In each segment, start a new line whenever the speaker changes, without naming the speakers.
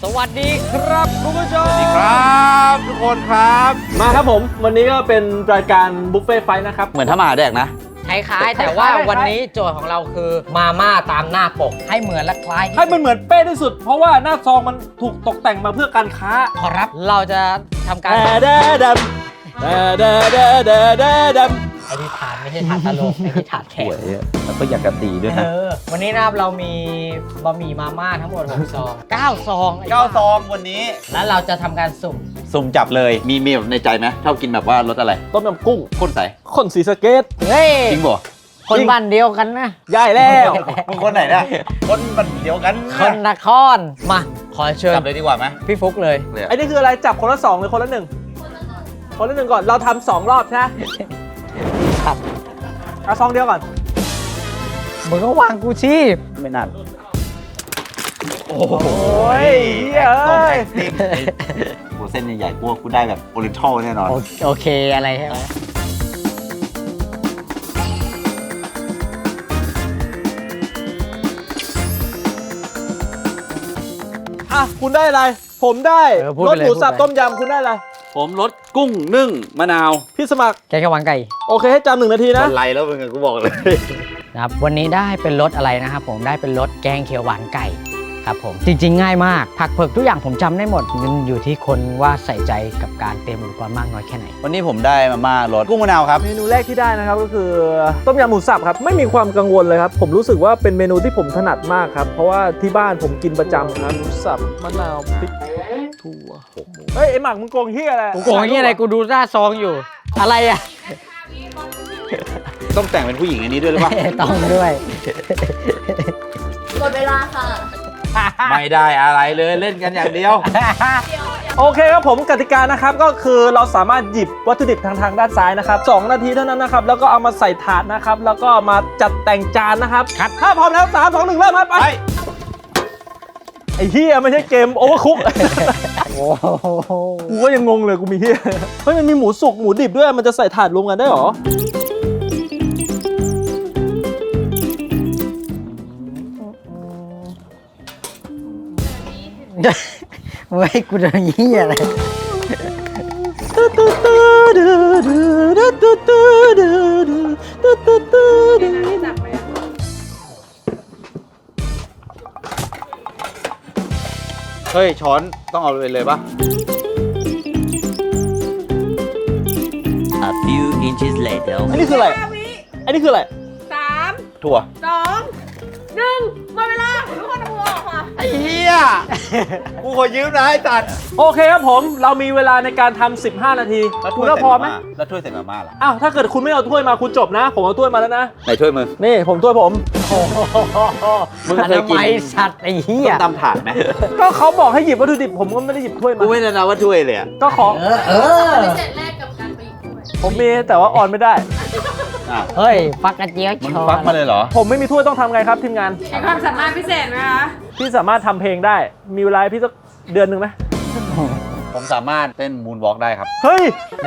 สวัสดีครับคุณผู้ชม
สวัสดีครับทุกคนครับ
มาครับผมวันนี้ก็เป็นรายการบุฟเฟ่ไฟท์นะครับ
เหมือนถ้ามาแดกนะ
คล้ายๆแต่ว่าวันนี้โจทย์ของเราคือมาม่าตามหน้าปกให้เหมือนและคล้าย
ให้มันเหมือนเป๊ะที่สุด เพราะว่าหน้าซองมันถูกตกแต่งมาเพื่อการค้า
ขอรับเราจะทำการ
แดดำแดดำ
ไอ้ที่ถานไม่ใช่ถานตลกไอ้ที่ถานแข
ส
ก
วยแล้วก็อยากกระตีด้วยนะ
วันนี้นะครับเรามีบะหมี่มาม่าทั้งหมด6ซอง9ซองไ
9 ซองวันนี้
แล้วเราจะทำการสุ่ม
สุ่มจับเลยมีแบบในใจไหมชอบกินแบบว่ารสอะไร
ต้มยำกุ้ง
ข้นใส
คนสีสะเกต
เฮ้ย
จริงบ่
คนบ้านเดียวกันนะ
ย่ายแล้ว
มึงคนไหนนะคนมันเดียวกัน
คนนครมาขอเชิญ
จับเลยดีกว่าไหม
พี่ฟุกเลย
เลย
ไอ้นี่คืออะไรจับคนละ2หรือคนละ1คนละ1ก่อนเราทำ2รอบใช่ไหม
ครับ
เอาซองเดียวก่อน
มึงก็วางกูชีพ
ไม่นานโอ้
โอ้ยเฮ้ย
ซอง
เอ้
แพ็
ย
คติ้งโอ้เส้นใหญ่ๆกูได้แบบโอเรนทัลแน่นอน
โอเคอะไรใช่ไหม
อ่ะคุณได้อะไรผมได้รสหมูสับต้มยำคุณได้อะไร
ผมรสกุ้งนึ่งมะนาว
พี่สมัคร
แกงเขียวหวานไก่
โอเคให้จำ1 นาทีนะ
อะไรแล้วมึงกูบอกเลย
นะครับวันนี้ได้เป็นรสอะไรนะครับผมได้เป็นรสแกงเขียวหวานไก่ครับผมจริงๆง่ายมากผักเผือกทุกอย่างผมจำได้หมดมันอยู่ที่คนว่าใส่ใจกับการเตรียมอุปกรณ์มากน้อยแค่ไหน
วันนี้ผมได้มาม่ารสกุ้งมะนาวครับ
เมนูแรกที่ได้นะครับก็คือต้มยำหมูสับครับไม่มีความกังวลเลยครับผมรู้สึกว่าเป็นเมนูที่ผมถนัดมากครับเพราะว่าที่บ้านผมกินประจำครับหมูสับมะนาวพริกถั่วเฮ้ยไอหมักมึงโกงเฮียอะไร
กูโกงนี่อะไรกูดูหน้าซองอยู่ อะไรอ่ะ
ต้องแต่งเป็นผู้หญิงอันนี้ด้วยหรือเปล่า
ต้องด้วย
หมดเวลาค่ะ
ไม่ได้อะไรเลยเล่นกันอย่างเดียว
โอเคครับผมกติกานะครับก็คือเราสามารถหยิบวัตถุดิบทางด้านซ้ายนะครับ2 นาทีเท่านั้นนะครับแล้วก็เอามาใส่ถาดนะครับแล้วก็มาจัดแต่งจานนะครับถ้าพร้อมแล้ว3 2 1เริ่มครับไปไอ้เฮียไม่ใช่เกมโอเวอร์คุก
โอ้โห
กูก็ยังงงเลยกูมีเฮียเฮ้ยมันมีหมูสุกหมูดิบด้วยมันจะใส่ถาดรวมกันได้หรอ
มึงให้กูโดนยี่อะไร
เฮ้ยช้อนต้องเอาเลยปะ
A few inches later.
อันนี้คืออะไรอันนี้คืออะไร
3
ถั่ว
2 1หมดเวลาทุกคนเอามือออกค่ะ
ไอ้เหี้ย กูขอยืมนะไอ้ตัด
โอเคครับผมเรามีเวลาในการทำ15 นาทีคุณว่าพอไหม
แล้วถ้วยใส่มาม่าล่ะ
อ้าวถ้าเกิดคุณไม่เอาถ้วยมาคุณจบนะ ผมเอาถ้วยมาแล้วนะ
ไหนถ้วยมึง
นี่ผมถ้วยผม
มึง
อ
เคยกิน
นามัยสัตว์ไอ้เหี้ย
ต้มตำถาดไหม
ก็เขาบอกให้หยิบวัตถุดิบผมก็ไม่ได้หยิบถ้วย
กู
มา
ไม่ได้นะว่าถ้วยเลยอะ
ก็ขอ
เออ
เป็นเสร็จแรกกับการไปอีกด้วย
ผมมีแต่ว่าออนไม่ได้
อ้าว
เฮ้ยฟักกระเจี๊ยบ
มึง
ชอ
ฟักมาเลยเหรอ
ผมไม่มีถ้วยต้องทำไงครับทีมงาน
มีความสามารถพิเศษไหมคะ
พี่สามารถทำเพลงได้ มีเวลาให้พี่สักเดือนหนึ่งไหม
ผมสามารถเต้นมูนวอล์กได้ครับ
เฮ้ย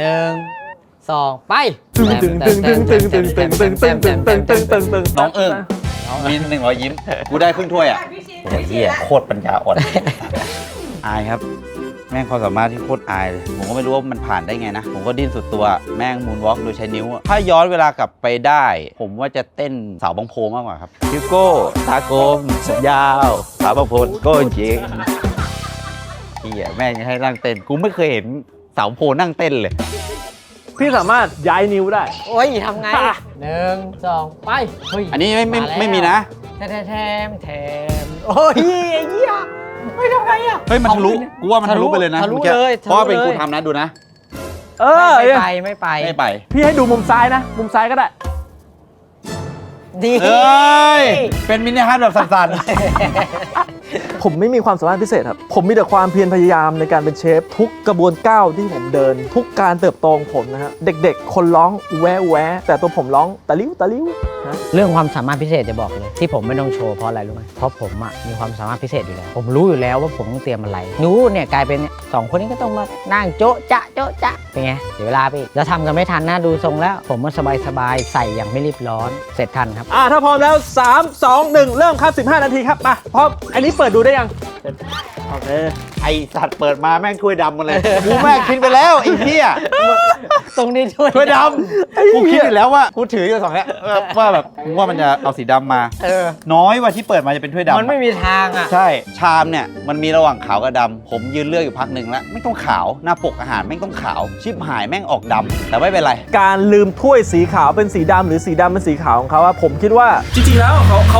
1 2 ไป
ตึงตึงตึงตึงตึงตึงตึงตึงตึงตึงตึงตึงตึงตึง
น้องเอิง มี100 ยิ้ม กูได้ครึ่งถ้วยอ่ะโอ้ยเหี้ยโคตรปัญญาอ่อน อายครับ แม่งความสามารถที่โคตรอายเลย ผมก็ไม่รู้ว่ามันผ่านได้ไงนะ ผมก็ดิ้นสุดตัว แม่งมูนวอล์กโดยใช้นิ้วอะถ้าย้อนเวลากลับไปได้ ผมว่าจะเต้นสาวบางโพมากกว่าครับฮิวโก้ตาโกมสัญญาวสาวบางโพโก้จริงเฮียแม่งให้นั่งเต้น กูไม่เคยเห็นสาวโพนั่งเต้นเลย
พี่สามารถย้ายนิ้วได้
โอ้ยทำไง1 2 ไปเฮ้ย
อันนี้ไม่มีนะ
แถมโอ้ยไอ้เหี้ยไม่ทำไงอ่ะ
เฮ้ยมันทะลุ กูว่ามันทะลุไปเลยนะ
ทะลุ
มื่อกี้
เลย
เพราะว่าเป็น
ทะลุ
กู
เลย
ทำนะดูนะ
เออ
ไม่ไป
ไม่ไป
พี่ให้ดูมุมซ้ายนะ มุมซ้ายก็ได้
ดี
เอ้ย เป็นมินิฮาร์ดแบบสั่น
ผมไม่มีความสามารถพิเศษครับ ผมมีแต่ความเพียรพยายามในการเป็นเชฟ ทุกกระบวนก้าวที่ผมเดิน ทุกการเติบโตของผมนะฮะเด็กๆ คนร้องแวะแวะแต่ตัวผมร้องตะลิ้วตะลิ้วนะ
เรื่องความสามารถพิเศษจะบอกเลยที่ผมไม่ต้องโชว์เพราะอะไรรู้ไหมเพราะผมอ่ะมีความสามารถพิเศษอยู่แล้ว ผมรู้อยู่แล้วว่าผมต้องเตรียมอะไรหนูเนี่ยกลายเป็นเนี่ยสองคนนี้ก็ต้องมานั่งโจ๊ะจ๊ะโจ๊ะจ๊ะเป็นไงเดี๋ยวเวลาไปอีกแล้วทำกันไม่ทันนะดูทรงแล้ว ผมมันสบายๆใส่อย่างไม่รีบร้อนเสร็จทันครับ
ถ้าพร้อมแล้ว 3 2 1 เริ่มครับ 15 นาทีครับมาพร้อมอันนี้เปิดดูได้ยังโอเค
ไอสัตว์เปิดมาแม่งถ้วยดำมาเลยกูแม่งคิดไปแล้วไอ้เหี้ย
ตรงนี้ช่วย
ถ้วยดำกูคิดอยู่แล้วว่ากูถืออยู่สองเนี้ยว่าแบบมึงว่ามันจะเอาสีดำมา น้อยว่าที่เปิดมาจะเป็นถ้วยดำ
มันไม่มีทางอ่ะ
ใช่ชามเนี่ยมันมีระหว่างขาวกับดำผมยืนเลือกอยู่พักหนึ่งแล้วไม่ต้องขาวหน้าปกอาหารไม่ต้องขาวชิบหายแม่งออกดำแต่ไม่เป็นไร
การลืมถ้วยสีขาวเป็นสีดำหรือสีดำเป็นสีขาวของเขาอะผมคิดว่าจริงๆแล้วเขา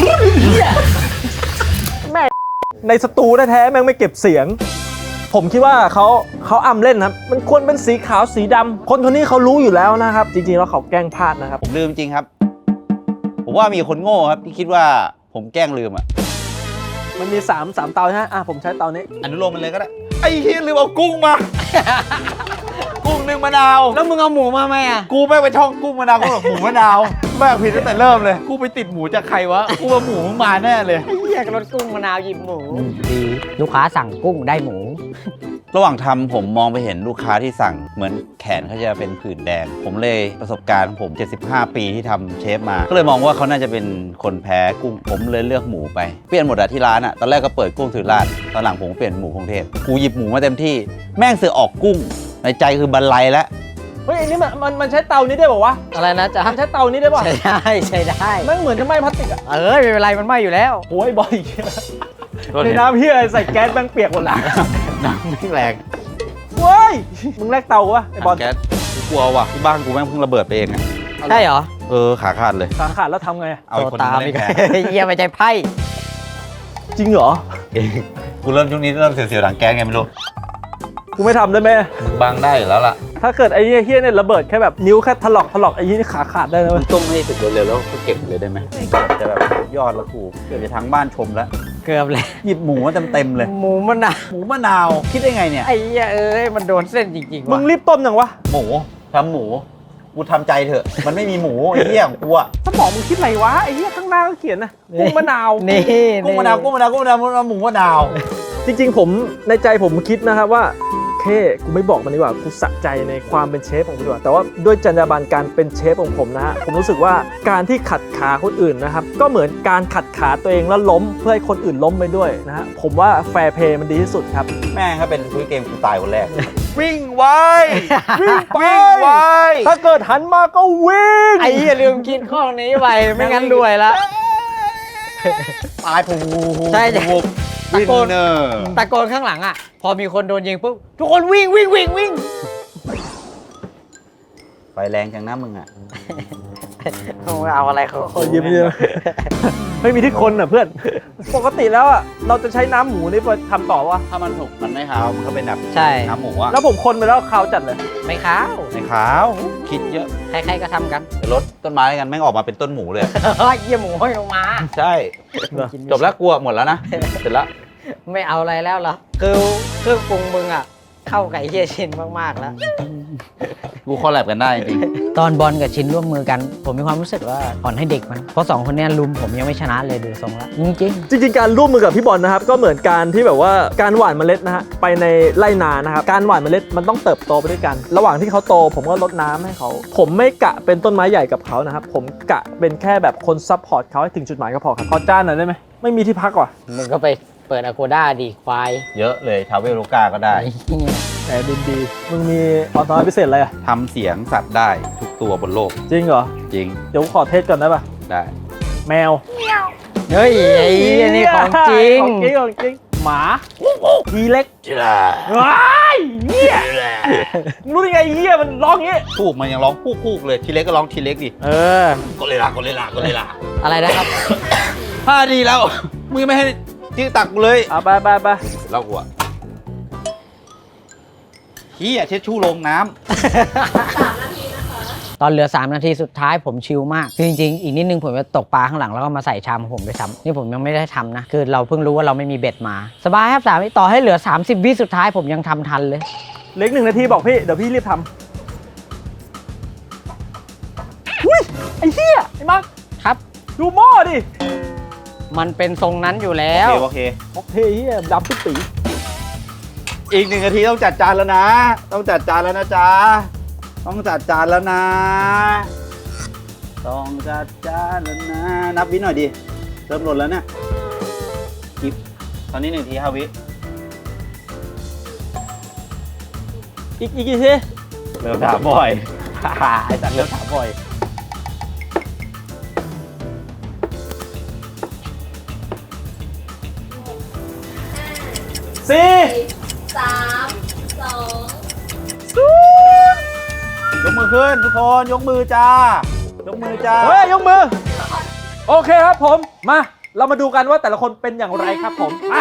แม่ในสตูแท้ๆแม่งไม่เก็บเสียง ผมคิดว่าเขาอำเล่นครับมันควรเป็นสีขาวสีดำคนนี้เขารู้อยู่แล้วนะครับจริงๆแล้วเขาแกล้งพลาดนะครับ
ผมลืมจริงครับ ผมว่ามีคนโง่ครับที่คิดว่าผมแกล้งลืมอ่ะ
มันมี3เตาใช่ไหมผมใช้เตานี้
อนุโลมมันเลยก็ได้ไอ้เฮียลืมเอากุ้งมา กุ้งนึ่งมะนาว
แล้วมึงเอาหมูมาไหมอ่ะ
กูแม่งไปท่องกุ้งมะนาวกูบอกหมูมะนาวแม่งผิดตั้งแต่เริ่มเลยกูไปติดหมูจากใครวะกูว่าหมูมึงมาแน่เลย
เรียกรถกุ้งมะนาวหยิบหมูดีลูกค้าสั่งกุ้งได้หมู
ระหว่างทำผมมองไปเห็นลูกค้าที่สั่งเหมือนแขนเขาจะเป็นผื่นแดง ผมเลยประสบการณ์ของผม 75 ปีที่ทำเชฟมา ก็เลยมองว่าเขาน่าจะเป็นคนแพ้กุ้ง ผมเลยเลือกหมูไป เปลี่ยนหมดอะที่ร้านอะตอนแรกก็เปิดกุ้งถือราดตอนหลังผมเปลี่ยนหมูพงเทพกูหยิบหมูมาเต็มที่ แม่งเสือออกกุ้ง ในใจคือบรรลัยแล้ว
เฮ้ยอันนี้มันใช้เตานี้ได้ป่าวะ
อะไรนะจ๊ะ
มันใช้เตานี้ได้ป่ะ
ใช้ได้ใช้ได้
แม่งเหมือนจะไหม้พลาสติกอะ
ไม่เป็นไรมันไหม้อยู่แล้ว
โอ้ยบอยในน้ำเฮียใส่แก๊สแม่งเปียกหมดละ
น้ำไม่แรง
เว้ยมึงแลกเตาวะไอ้บอล
แก๊สกูกลัวว่ะที่บ้านกูแม่งเพิ่งระเบิดไปเองอะ
ใช่เหรอ
ขาขาดเลย
ขาขาดแล้วทำไงอะ
เอาอีกคนนึงมาเล่นแทน
เยี่ยมไปใจไพ่
จริงเหรอ
กูเริ่มช่วงนี้เริ่มเสียวๆหลังแก๊สไงไม่รู้
กูไม่ทำได้ไหม
บางได้อยู่แล้วล่ะ
ถ้าเกิดไอ้เฮียเนี่ยระเบิดแค่แบบนิ้วแค่ถลอกไอ้นี่ขาขาดได้นะเว้ย
ต้มให้สุกเร็วๆแล้วก็เก็บเลยได้ไหมจะแบบยอดแล้วกูเกิดจะทั้งบ้านชมแล้ว
เกือบเลย
หยิบหมูมาเต็มๆเลย
หมูมะนาว
หมูมะนาวคิดได้ไงเนี่ย
ไอ้เหี้ยมันโดนเส้นจริงๆ
มึ
ว่ะ
งรีบต้มยังวะ
หมูทำหมูกูทำใจเถอะ มันไม่มีหมูไอ้เหี้ยของกูอะ
สมองมึงคิดอะไรวะไอ้เหี้ยข้างหน้าก็เขียนนะกุ้งมะนาว
นี่
กุ้งมะนาวกุ้งมะนาวกุ้งมะนาวหมูมะนาว
จริงๆผมในใจผมคิดนะครับว่าโอเคกูไม่บอกมันดีกว่ากูสะใจในความเป็นเชฟของกูดีกว่าแต่ว่าด้วยจรรยาบรรณการเป็นเชฟของผมนะฮะผมรู้สึกว่าการที่ขัดขาคนอื่นนะครับก็เหมือนการขัดขาตัวเองแล้วล้มเพื่อให้คนอื่นล้มไปด้วยนะฮะผมว่าแฟร์เพย์มันดีที่สุดครับ
แม่งถ้าเป็นคุยเกมกูตายคนแรก วิ่งไว
วิ่งไป
วิ่งไว
ถ้าเกิดหันมาก็วิ่ง
ไอ้เหี้ยลืมกินข้อนี้ไปไม่งั้นรวยละ
ตายผู
ใช่ใช่
วินเนอร์
ตะโกนข้างหลังอ่ะ พอมีคนโดนยิงปุ๊บทุกคนวิ่ง
ไฟแรงจังนะมึงอะ
เอาอะไรเขา
โอ้ยยิ้มไม่มีที่คนอ่ะเพื่อน ปกติแล้วอ่ะเราจะใช้น้ำหมูนี่ไปทำต่อวะ
ถ้ามันสุกมันไม่ขาวมันก็เป็นแบบ
ใช่
น้ำหมูอะ
แล้วผมคนไปแล้วขาวจัดเลย
ไม่ขาว
ไม่ขาวคิดเยอะ
ใครๆก็ทำกัน
เดี๋ยวรถต้นไม้กันแม่งออกมาเป็นต้นหมูเลย
เยี่ยหมูห้อยลงมา
ใช่จบแล้วกลัวหมดแล้วนะเสร็จแล้ว
ไม่เอาอะไรแล้วเหรอคือเครื่องปรุงมึงอ่ะ เข้าไก่เฮียชินมากๆแล้ว
กูคอลแลบกันได้จริง
ตอนบอลกับชินร่วมมือกัน ผมมีความรู้สึกว่าอ่อนให้เด็กมัน เพราะ2คนเนี้ยลุมผมยังไม่ชนะเลยดูทรงแล้วจริง
จริงๆการร่วมมือกับพี่บอลนะครับก็เหมือนการที่แบบว่าการหว่านเมล็ดนะฮะไปในไร่นานะครับการหว่านเมล็ดมันต้องเติบโตไปด้วยกัน ระหว่างที่เขาโตผมก็รดน้ำให้เขาผมไม่กะเป็นต้นไม้ใหญ่กับเขานะครับผมกะเป็นแค่แบบคนซัพพอร์ตเขาให้ถึงจุดหมายก็พอครับขอจ้านหน่อยได้ไหมไม่มีที่พักว่ะ
ๆ มึงก็ไปเปิดอโกด้าดีควาย
ๆ เยอะเลยทาวเวลโลกาก็ได้
แต่ดีๆมึงมีออโต้พิเศษอะไรอ่ะ
ทำเสียงสัตว์ได้ทุกตัวบนโลก
จริงเหรอ
จริง
เดี๋ยวขอเทสก่อนได้ป่ะ
ได้
แมว
เฮ้ยไอ้นี่ของจริง
ของจริงหมาทีเล็ก
จิลา
ว้ายเหี้ยมึงรู้ได้ไงเหี้ยมันร้องงี้
พูกมันยังร้องพูกเลยทีเล็กก็ร้องทีเล็กดิ
เออ
ก็เลยล่ะ
อะไรนะครับ
5 ดีแล้วมึงยังไม่ให้จิ้งตักกูเลย
เอาไป
เล่ากูอะเฮียเช็ดชู่ลงน้
ตอนเหลือ3 นาทีสุดท้ายผมชิลมากคือจริงๆอีกนิดนึงผมจะตกปลาข้างหลังแล้วก็มาใส่ชามของผมด้วยซ้ำนี่ผมยังไม่ได้ทำนะ คือเราเพิ่งรู้ว่าเราไม่มีเบ็ดมา สบายครับ3 วิต่อให้เหลือ30 วิสุดท้ายผมยังทำทันเลย
เล็ก1 นาทีบอกพี่เดี๋ยวพี่รีบทำอุ้ยไอ้เหี้ยไอ้มัง
ครับ
ดูหม้อดิ
มันเป็นทรงนั้นอยู่
ำ
แล้ว
โอเค
โอเคเหี้ยดำปิ๊ดปี
อีก1 นาทีต้องจัดจานแล้วนะ ต้องจัดจานแล้วนะจ๊ะต้องจัดจานแล้วนะต้องจัดจานแล้วนะนับวิหน่อยดิเริ่มหล่นแล้วเนี่ยตอนนี้1 ที 5 วิ
อีกกี่ที
เริ่มถามบ่อย ไอ้สัตว์เริ่มถามบ่อย
สี่
3 2
ยกมือขึ้นทุกคนยกมือจ้ายกมือจ้า
เฮ้ยยกมือ โอเคครับผมมาเรามาดูกันว่าแต่ละคนเป็นอย่างไรครับผมอ่ะ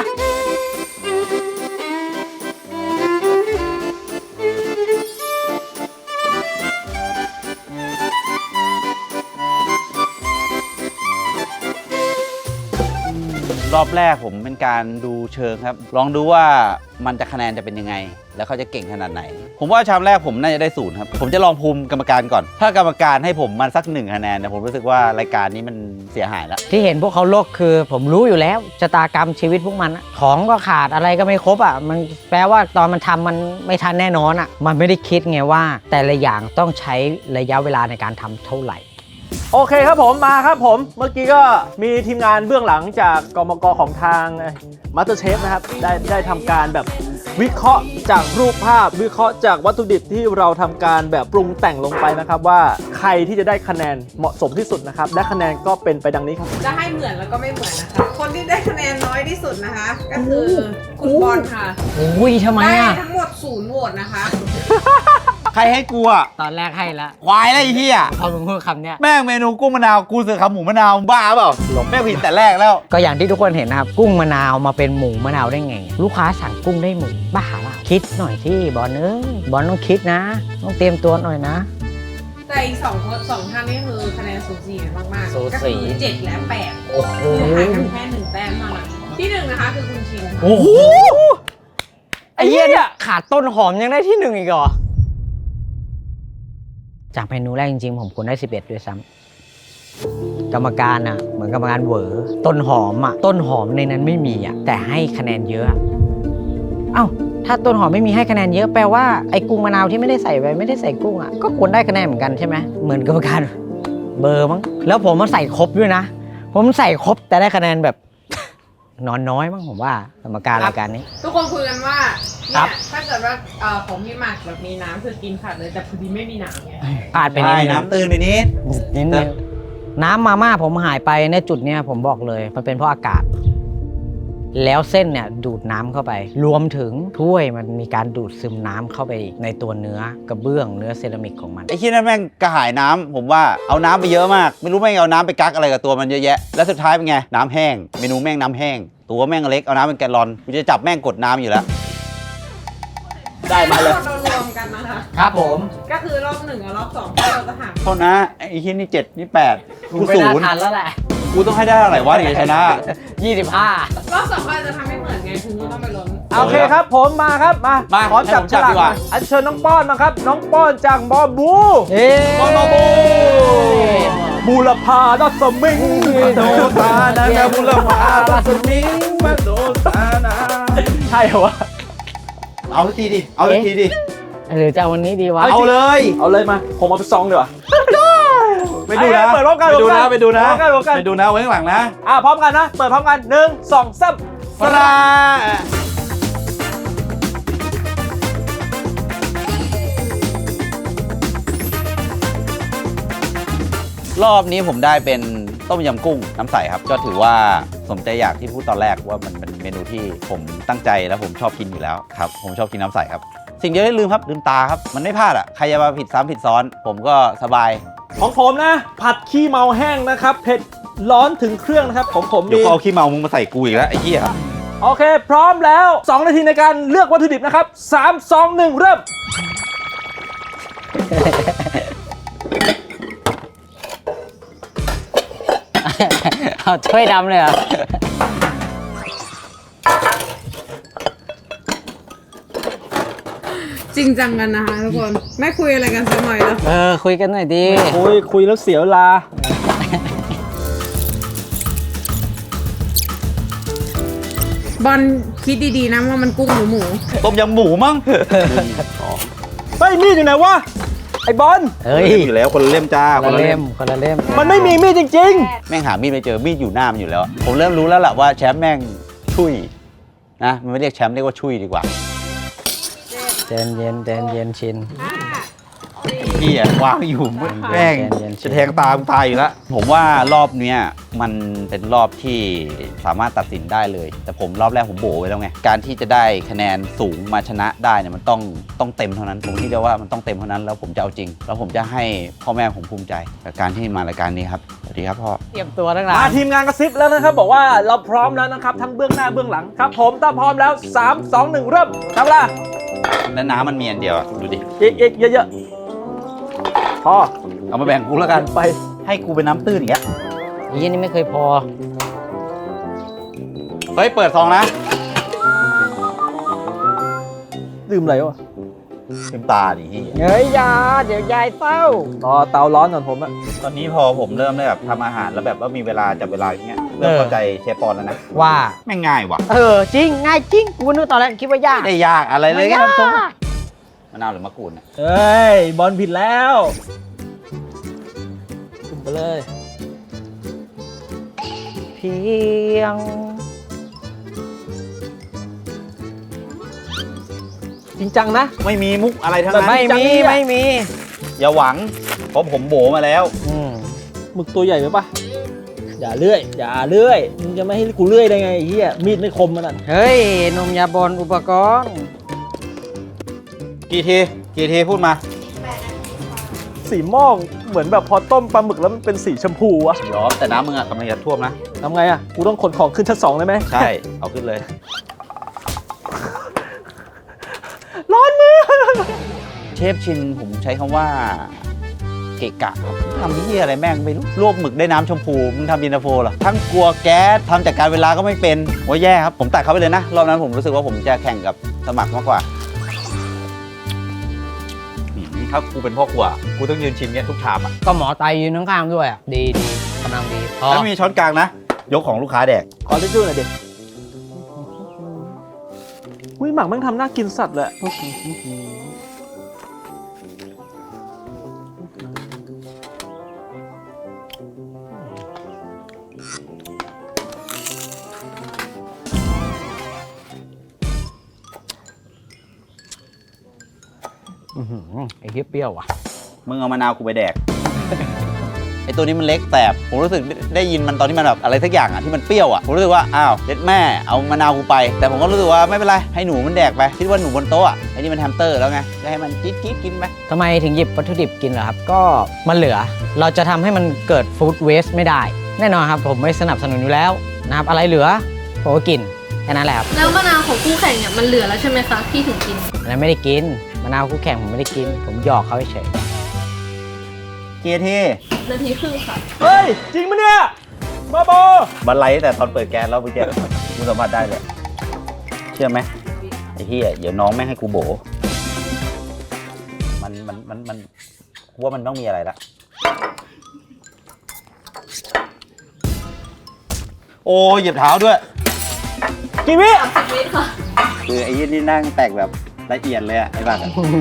รอบแรกผมเป็นการดูเชิงครับ ลองดูว่ามันจะคะแนนจะเป็นยังไง แล้วเขาจะเก่งขนาดไหน ผมว่าชามแรกผมน่าจะได้0ครับ ผมจะลองภูมิกรรมการก่อน ถ้ากรรมการให้ผมมันสัก1 คะแนนเนี่ยผมรู้สึกว่ารายการนี้มันเสียหายแล้ว
ที่เห็นพวกเขาโลกคือผมรู้อยู่แล้วชะตากรรมชีวิตพวกมันอะของก็ขาดอะไรก็ไม่ครบอ่ะมันแปลว่าตอนมันทำมันไม่ทันแน่นอนอ่ะมันไม่ได้คิดไงว่า แต่ละอย่างต้องใช้ระยะเวลาในการทำเท่าไหร่
โอเคครับผมมาครับผมเมื่อกี้ก็มีทีมงานเบื้องหลังจากกมกของทางมาสเตอร์เชฟนะครับได้ทำการแบบวิเคราะห์จากรูปภาพวิเคราะห์จากวัตถุดิบที่เราทำการแบบปรุงแต่งลงไปนะครับว่าใครที่จะได้คะแนนเหมาะสมที่สุดนะครับและคะแนนก็เป็นไปดังนี้ครับ
จะให้เหมือนแล้วก็ไม่เหมือนนะคะ คนที่ได้คะแนนน้อยที่สุดนะคะ ก็คือคุณบอลค่ะ
อุ้ยทำไม
ได้
อ่ะ
ทั้งหมด0 โหวตนะคะ
ใครให้กูอ่ะ
ตอนแรกให้ละ
ควายอะไรไอ้เหี้ย
พอมึงพูดคำเนี้ย
แม่งเมนูกุ้งมะนาวกูเสือขาหมูมะนาวบ้าเปล่าแม่งผิดแต่แรกแล้ว
ก็อย่างที่ทุกคนเห็นนะครับกุ้งมะนาวมาเป็นหมูมะนาวได้ไง ลูกค้าสั่งกุ้งได้หมูบ้าเปล่าคิดหน่อยที่บอลบอลต้องคิดนะ ต้องเตรียมตัวหน่อยนะ
แต่อีก2 ท่านนี่คือคะแนนสูสีกันมากๆ
สู
ก็
สี
คือ7 และ 8
โอ้โห
คือห่างกันแค่1 แต้มเท่านั้นที่ 1 นะคะคือคุณชิงค่ะ
โอ้โหไอ้เหี้ยเนี่ยขาดต้นหอมยังได้ที่ 1อีกเหรอจากเมนูแรกจริงๆผมควรได้11ด้วยซ้ำกรรมการอ่ะเหมือนกรรมการเหวอต้นหอมอ่ะต้นหอมในนั้นไม่มีอ่ะแต่ให้คะแนนเยอะอะเอ้าถ้าต้นหอมไม่มีให้คะแนนเยอะแปลว่าไอ้กุ้งมะนาวที่ไม่ได้ใส่ไปไม่ได้ใส่กุ้งอ่ะก็ควรได้คะแนนเหมือนกันใช่ไหมเหมือนกรรมการเบอร์มั้งแล้วผมมาใส่ครบด้วยนะ ผมใส่ครบแต่ได้คะแนนแบบ นอนน้อยมั้งผมว่ากรรมการรายการนี้
ทุกคนคุยกันว่า
ครั
เนี่ย
บ
ถ้าเกิดว่าของพี่หมากแบบมีน้ำคือกินขาดเลยแต่พอดีไม่มีน้ำไง
พลาดไปนิดนึง
น้ำตื่นไปนิด
นิดนึงน้ำมาม่าผมหายไปในจุดเนี้ยผมบอกเลยมันเป็นเพราะอากาศ แล้วเส้นเนี่ยดูดน้ำเข้าไป รวมถึงถ้วยมันมีการดูดซึมน้ำเข้าไปอีกในตัวเนื้อกระเบื้องเนื้อเซรามิกของมัน
ไอ้ที่นั่นแม่งกระหายน้ำผมว่าเอาน้ำไปเยอะมาก ไม่รู้แม่งเอาน้ำไปกักอะไรกับตัวมันเยอะแยะแล้วสุดท้ายเป็นไงน้ำแห้งเมนูแม่งน้ำแห้งตัวแม่งเล็กเอาน้ำเป็นแกลลอนกูจะจับแม่งกดน้ำอยู่แล้ว ได้มาเลย
เรารวมกันนะคะ
ครับผม
ก็คือรอบ 1 กับรอบ 2ที่เราจะหาร
เท่านะไอ้ที่นี่7นี่8กู
ไม่
ศู
น่าน
ย์
ทันแล้วแหละ
กูต้องให้ได้เท่าไหร่วะถึงจะชนะ
25
รอบ 2ก็จะทำให้เหมือนไงคือต้องไปล้น
โอเคครับผมมาครับมา
มา
ขอจับ
ให้ผม
ฉ
จับ
ลาก
ดีกว่า
อัญเชิญน้องป้อนมาครับน้องป้อนจากบอบู
เฮ้
บอลมาบู
บูรพาดัสมิง
โดตานะนะบุรพาลัสมิงมาโดตานะ
ใช่เหรอวะ
เอาสักทีดิเอาสักทีดิ
หรือจะเอาวันนี้ดีวะ
เอาเลย
เอาเลยมาผมเอาไปซองดีกว่า
ไปดูนะ
เปิดพร้อมกัน
ไปดูนะ
พร้อมกัน
ไปดูนะ
พร้อมกันพร้อมกัน
ไปดูนะไว้ข้างหลังนะ
พร้อมกันนะเปิดพร้อมกัน1 2 3
ปลา รอบนี้ผมได้เป็นต้มยำกุ้งน้ำใสครับ ก็ถือว่าสมใจอยากที่พูดตอนแรกว่ามันเป็นเมนูที่ผมตั้งใจแล้วผมชอบกินอยู่แล้วครับ ผมชอบกินน้ำใสครับ สิ่งเดียวที่ลืมครับลืมตาครับ มันไม่พลาดอ่ะใครจะมาผิดซ้ำผิดซ้อน ผมก็สบาย
ของผมนะ ผัดขี้เมาแห้งนะครับเผ็ดร้อนถึงเครื่องนะครับของผม
เดี๋ยว
มี
เขาเอาขี้เมามึงมาใส่กูอีกแล้วไอ้เหี้ย
โอเค พร้อมแล้ว 2 นาทีในการเลือกวัตถุดิบนะครับ3 2 1 เริ่ม
เอาถ้วยดำเลยเหรอ
จริงจังกันนะคะทุกคน ไม่คุยอะไรกันสักหน่อยแล้ว
คุยกันหน่อยดิ
คุยแล้วเสียเวลา
บอลคิดดีๆนะว่ามันกุ้งหรือหมู
ต้มยำหมูมั้ง
เฮ้ยมีดอยู่ไหนวะ ไอ้บอล
เฮ้ย
อยู่แล้วคนละเล่มจ้า
คนละเล่มคนละเล่ม
มันไม่มีมีดจริง
แม่งหามีดไม่เจอมีดอยู่หน้ามันอยู่แล้ว ผมเริ่มรู้แล้วล่ะว่าแชมป์แม่งชุยนะมันไม่เรียกแชมป์เรียกว่าชุยดีกว่า
เย็นเย็นชิน
พี่อะวางอยู่แม่ง
เย็นๆ
จะแทงตามตายอยู่แล้วผมว่ารอบเนี้ยมันเป็นรอบที่สามารถตัดสินได้เลย แต่ผมรอบแรกผมโบไว้แล้วไงการที่จะได้คะแนนสูงมาชนะได้เนี่ยมันต้องเต็มเท่านั้นผมคิดได้ว่ามันต้องเต็มเท่านั้นแล้วผมจะเอาจริง แล้วผมจะให้พ่อแม่ผมภูมิใจกับการที่มารายการนี้ครับสวัสดีครับพ่อ
เตรียมตัวตั้งนา
มาน ทีมงานกระซิบแล้วนะครับบอกว่าเราพร้อมแล้วนะครับทั้งเบื้องหน้าเบื้องหลังครับผมถ้าพร้อมแล้ว 3 2 1 เริ่มทำเวลา
แล้วน้ำมันมีอันเดียวอะดูดิ
อีกเยอะๆพอ
เอามาแบ่งกูแล้วกันไปให้กูเป็นน้ำตื้นอย่างเงี้ย
ยี่นี่ไม่เคยพอ
เฮ้ยเปิดซองนะ
ดื่มอะไรวะ
เต็มตาดิพี่
เฮ้ยยาเดี๋ยวยายเต้าร
อเตาร้อนก่อนผมอะ
ตอนนี้พอผมเริ่มได้แบบทำอาหารแล้วแบบว่ามีเวลาจับเวลาอย่างเงี้ยเริ่มเข้าใจเชฟปอนแล้วนะ
ว่า
แม่งง่ายว่ะ
จริงง่ายจริงกูนึกตอนแรกคิดว่ายาก
ไม่ได้ยากอะไรเลย
ไม่
แค่
ยาก
น้ำส้มมะนาวหรือมะกรูดเนี่ย
เฮ้ยบอลผิดแล้วจุ่มไปเลย
เพียง
จริงจังนะ
ไม่มีมุกอะไรทั้งนั้น
ไม่
ไม่มี
อย่าหวังเพราะผมโบมาแล้ว
หมึกตัวใหญ่ไหมปะอย่าเลื่อยมึงจะไม่ให้กูเลื่อยได้ไงไอ้เหี้ยมีดไม่คมมันนั่น
เฮ้ยนมยาบอลอุปกรณ์
กี่ทีพูดมา
สีม่องเหมือนแบบพอต้มปลาหมึกแล้วมันเป็นสีชมพูอะ
ยอมแต่น้ำมึงอะกำลังจะท่วมนะ
ทำไงอะกูต้องขนของขึ้นชั้น 2ได้ไหม
ใช่เอาขึ้นเลย
ร้อนมือ
เชฟชินผมใช้คำว่าเกะกะครับทำที่อะไรแม่งไม่รู้ลวกหมึกได้น้ำชมพูมึงทำเย็นตาโฟเหรอทั้งกลัวแก๊สทำจากการเวลาก็ไม่เป็นโอ้ยแย่ครับผมตัดเขาไปเลยนะรอบนั้นผมรู้สึกว่าผมจะแข่งกับสมัครมากกว่านี่ถ้ากูเป็นพ่อครัวกูต้องยืนชิมเนี่ยทุกชามอ่ะ
ก็หมอไตยืนข้างๆด้วยอ่ะดีกำลังดีพอ
แล้วมีช้อนกลางนะยกของลูกค้าแดก
ขอทิชชู่หน่อยดิอุ้ยหมักแม่งทำน่ากินสัตว์เลย
ไอ้เหี้ยเปรี้ยวอ่ะ
มึงเอามะนาวกูไปแดก ไอตัวนี้มันเล็กแสบผมรู้สึกได้ยินมันตอนที่มันแบบอะไรสักอย่างอ่ะที่มันเปรี้ยวอ่ะผมรู้สึกว่าอ้าวเด็ดแม่เอามะนาวกูไป แต่ผมก็รู้สึกว่าไม่เป็นไรให้หนูมันแดกไปคิดว่าหนูบนโต๊ะอ่ะไอ้นี่มันแฮมสเตอร์แล้วไงจะให้มันจี๊ดกินไป
ทำไมถึงหยิบวัตถุดิบกินเหรอครับ ก็มันเหลือ เราจะทำให้มันเกิดฟู้ดเวสต์ไม่ได้ แน่นอนครับผมไม่สนับสนุนอยู่แล้วนะครับอะไรเหลือผมก็กินแค่นั้นแหละครับ
แล้วมะนาวของคู่แข่งเนี่ยมันเหลือแล้วใช่ไหมคะพี่ถึงกิน
อันนั้นไม่ได้กินมะนาวคู่แข่งผมไม่ได้กิน ผมหยอกเขาเฉย
เกียร์ที่
นาทีครึ่งค่ะ
เฮ้ย จริงปะเนี่ยมาโบ
บันไลแต่ตอนเปิดแก๊สแล้วเมื่อกี้กูสัมผัสได้เลยเชื่อไหมไอ้เหี้ยเดี๋ยวน้องไม่ให้กูโบมันกูว่ามันต้องมีอะไรละโอ้เหยียบเท้าด้วย
กี่วิ
30 วิค่ะ
คือไอ้ยี่นี่นั่งแตกแบบละเอียดเลยอะไอ้บ้า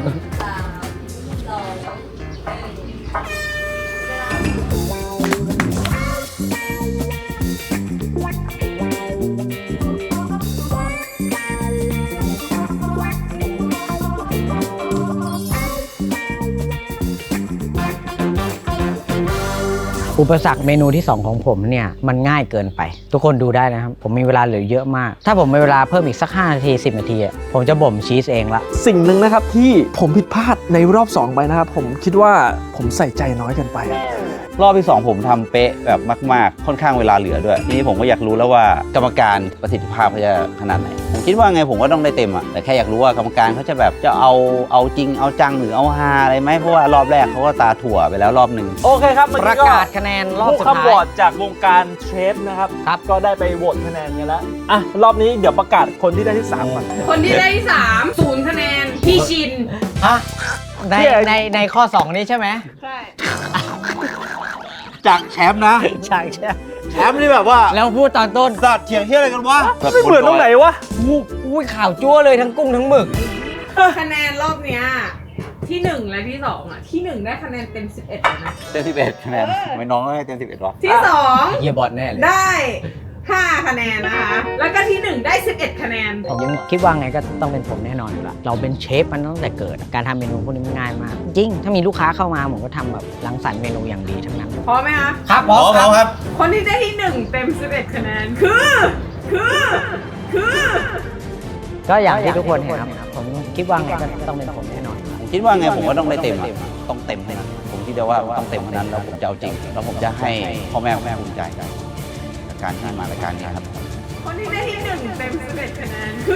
อุปสรรคเมนูที่ 2 ของผมเนี่ยมันง่ายเกินไป ทุกคนดูได้นะครับ ผมมีเวลาเหลือเยอะมาก ถ้าผมมีเวลาเพิ่มอีกสัก5นาที10นาทีอะผมจะบ่มชีสเองละ
สิ่งหนึ่งนะครับที่ผมผิดพลาดในรอบ 2 ไปนะครับ ผมคิดว่าผมใส่ใจน้อยเกินไป
รอบที่ 2 ผมทำเป๊ะแบบมากๆค่อนข้างเวลาเหลือด้วยทีนี้ผมก็อยากรู้แล้วว่ากรรมการประสิทธิภาพเขาจะขนาดไหนผมคิดว่าไงผมก็ต้องได้เต็มอะแต่แค่อยากรู้ว่ากรรมการเขาจะแบบจะเอาจริงเอาจังหรือเอาฮาอะไรไหมเพราะว่ารอบแรกเขาก็ตาถั่วไปแล้วรอบหนึ่ง
โอเคครับเมื่อ
ประ
กี้ก็
กาศคะแนนรอบ
ผู้
สุด
คำโหว
ท้าย
ตจากวงการเชฟนะครับ ก็ได้ไปโหวตคะแนนกันแล้วอ่ะรอบนี้เดี๋ยวประกาศคนที่ได้ที่3ก่อน
คนที่ได้ที่3 0 คะแนน พี่ชิน
ฮะในข้อ 2 นี้ใช่ไหม
ใช่
จากแชมป์นะ
ใช่ใช่
แชมป์นี่แบบว่า
แล้วพูดตอนต้น
สัตว์เถียงเที่ยอะไรกันวะ
ไม่เหมือนตรงไหนวะ
อุ้ยข่าวจั่วเลยทั้งกุ้งทั้งหมึก
คะแนนรอบเนี้ยที่ 1 และที่ 2 อ่ะ ที่ 1 ได้คะแนนเต็ม 11เลยนะ
เต็ม11คะแนนทำไม่น้องให้เต็ม11วะ
ที่
เฮียบอลแน่เลย
2 ได้ 5 คะแนนนะคะ แล้วก็ที่ 1 ได้ 11 คะแนน
ผมยังคิดว่าไงก็ต้องเป็นผมแน่นอนอยู่ละเราเป็นเชฟมันตั้งแต่เกิด การทำเมนูพวกนี้มันง่ายมาก จริง ถ้ามีลูกค้าเข้ามาผมก็ทำแบบรังสรรค์เมนูอย่างดีทั้งนั้น
พร้อมไหมคะ
ครับผม
ครับ
คนที่ได้ที่ 1 เต็ม 11 คะแนน คือ
ก็อย่างที่ทุกคนเห็นครับผมคิดว่าไงก็ต้องเป็นผมแน่นอน
ผมคิดว่าไงผมก็ต้องได้เต็มอะต้องเต็มเท่านั้นผมคิดว่าต้องเต็มเท่านั้นแล้วผมจะเอาจริงแล้วผมจะให้พ่อแม่ภูมิใจกับการที่มารายการนี้ครับ
คนที่ได้ที่ 1 เต็ม 11 คะแนน คือ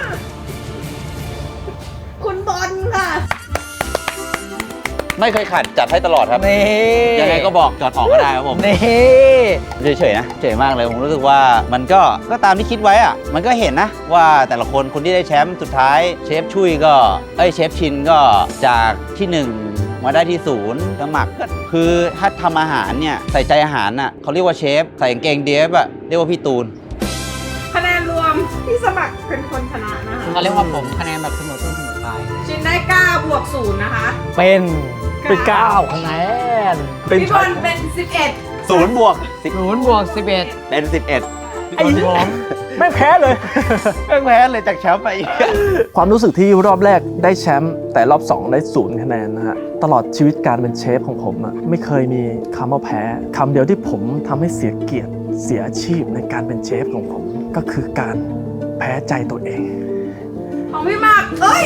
คุณบอลค่ะ
ไม่เคยขัดจัดให้ตลอดครับ
นี่
ยังไงก็บอกจอดออกก็ได้ครับผม
นี่
เฉยๆนะเฉยมากเลยผมรู้สึกว่ามันก็ตามที่คิดไว้อะมันก็เห็นนะว่าแต่ละคนที่ได้แชมป์สุดท้ายเชฟชุยก็เชฟชินก็จากที่ 1 มาได้ที่0สมัครก็คือถ้าทำอาหารเนี่ยใส่ใจอาหารน่ะเขาเรียกว่าเชฟใส่กางเกงเดฟอะเรียกว่าพี่ตูน
คะแนนรวมที่สมัครเป็นคนชนะนะคะ
เขาเรียกว่าผมคะแนนแบบเสมอต้นเสมอปลาย
ชินได้9 บวก 0 นะคะ
เป็น
9
คะแนน
เป็น
พี่บ
ชั้
อน ลเป็น 11
0 บวก
0 บวก 11
เป็น 11
ไอ้ไม่แพ้เลย
แพ้เลยจากแชมป์ไปอีก
ความรู้สึกที่รอบแรกได้แชมป์แต่รอบ 2 ได้0 คะแนนนะฮะตลอดชีวิตการเป็นเชฟของผมอะไม่เคยมีคำว่าแพ้คำเดียวที่ผมทำให้เสียเกียรติเสียอาชีพในการเป็นเชฟของผม ก็คือการแพ้ใจตัวเอง
ของพี่หมาก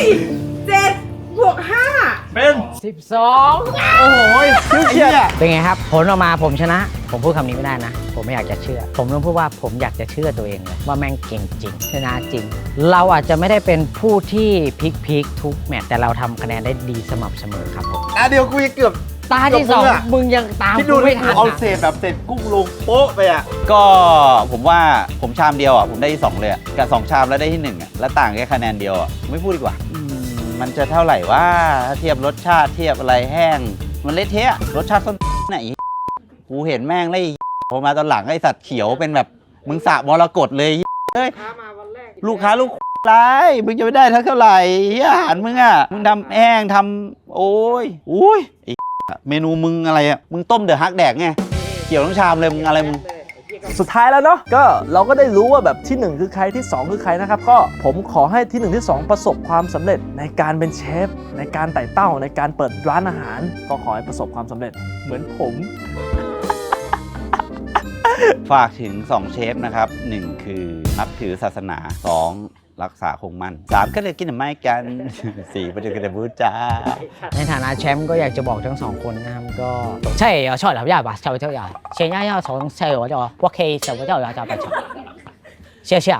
7 บวก 5
เป็น
12
โอ้โหเชียร์
เป็นไงครับ ผลออกมาผมชนะ ผมพูดคำนี้ไม่ได้นะ ผมไม่อยากจะเชื่อ ผมต้องพูดว่าผมอยากจะเชื่อตัวเองเลยว่าแม่งเก่งจริงชนะจริง เราอาจจะไม่ได้เป็นผู้ที่พลิกทุกแมตช์แต่เราทำคะแนนได้ดีสม่ำเสมอครับผม
เดี๋ยวกูจะเกือบ
ตาที่ 2 มึงยังตาม
ที่ดู
กูไม่ทัน
เอา
นะ
เศษแบบเศษกุ้งลงโป๊ะไปอ่ะก็ผมว่าผมชามเดียวอ่ะผมได้ที่2เลยอะกับ2ชามแล้วได้ที่1อ่ะแล้วต่างแค่คะแนนเดียวอ่ะไม่พูดดีกว่ามันจะเท่าไหร่ว่าถ้าเทียบรสชาติเทียบอะไรแห้งมันเละเทะรสชาติส้นไหนกูเห็นแม่งเลยพอมาตอนหลังไอ้สัตว์เขียวเป็นแบบมึงสระมรกตเลยเฮ้ยลูกค้าลูกไรมึงจะไม่ได้เท่าไหร่อาหารมึงอ่ะมึงทำแห้งทำโอ้ยอุ้ยไอ้เมนูมึงอะไรอ่ะมึงต้มเดอะฮักแดกไงเกี่ยวทั้งชามเลยมึงอะไรมึง
สุดท้ายแล้วเนาะก็เราก็ได้รู้ว่าแบบที่ 1 คือใครที่ 2 คือใครนะครับก็ผมขอให้ที่ 1 ที่ 2 ประสบความสำเร็จในการเป็นเชฟในการไต่เต้าในการเปิดร้านอาหาร ก็ขอให้ประสบความสำเร็จเหมือนผม
ฝากถึง2เชฟนะครับ1คือนับถือศาสนา2รักษาคงมั่น3ก็เลยกินไม่กัน4ประเดี๋ยวก็จะพูดจ้า
ในฐานะแชมป์ก็อยากจะบอกทั้ง2 คนนะครับก็ใช่ชอบหลับยาป่ะชอบเที่ยวยาเชียร์ย่าสองใช่我就我可以什么叫要叫不叫谢谢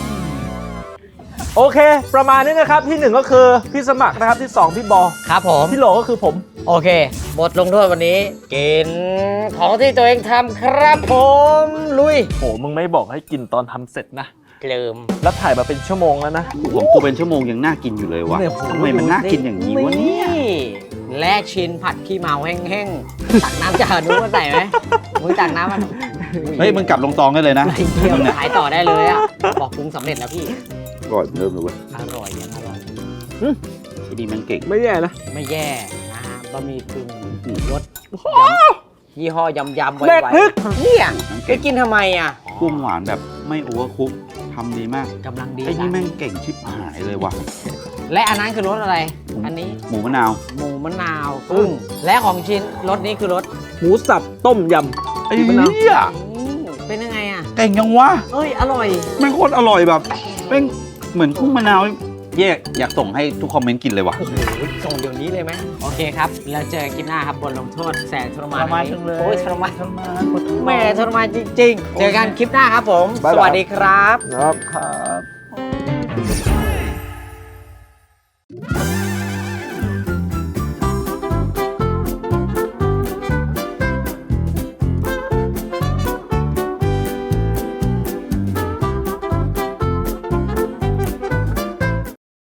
โอเค ประมาณนี้นะครับที่ 1 ก็คือพี่สมัครนะครับที่ 2 พี่บอ
ครับผม
ที่โหลก็คือผม
โอเคบทลงโทษวันนี้กินของที่ตัวเองทำครับผมลุย
โหมึงไม่บอกให้กินตอนทำเสร็จนะ
ลืม
แล้วถ่ายมาเป็นชั่วโมงแล้วนะ
ผมกูเป็นชั่วโมงยังน่ากินอยู่เลยวะทำไมมันน่ากินอย่างนี้วะเนี่ย
แลกชิ้นผัดขี้เมาแห้งๆตักน้ำจากนู้นมาใส่ไหมมึงตักน้ำมัน
เฮ้ยมึงกลับลงตองได้เลยนะ
ไอ้เที่ยวขายต่อได้เลยอ่ะบอกปรุงสำเร็จแล้วพี่
อร่อยเริ่มเลยเว้ย
อร่อยยังอร่อย
ไอ้ดีมันเก่ง
ไม่แย่นะ
ไม่แย่นะฮะบะหมี่กึ่งรสยี่ห้อยำไว
แดกพริก
ๆเนี่ยไปกินทำไมอ่ะ
กุ้งหวานแบบไม่โอเวอร์คุกทำดีมาก
กำลังดี
ไอ้นี่แม่งเก่งชิบหายเลยว่ะ
และอันนั้นคือรสอะไร อันนี้
หมูมะนาว
หมูมะนาวกุ้งและของชิ้นรสนี้คือรส
หมูสับต้มยำ
ไอ้
มะนาว
เหี้ย
เป็นยังไงอ่ะ
เก่งยังวะ
เอ้ยอร่อย
แม่งโคตรอร่อยแบบแม่งเหมือนกุ้งมะนาวแยกอยากส่งให้ทุกคอมเมนต์กินเลยว่ะ
โอ้โหส่งเดี๋ยวนี้เลยไหมโอเคครับแล้วเจอกันคลิปหน้าครับบทลงโทษแสนทรมานโอ้ยทรมานแหม่ทรมานจริงๆ เจอกันคลิปหน้าครับผม สวัสดีครับ
ครับ
ครับ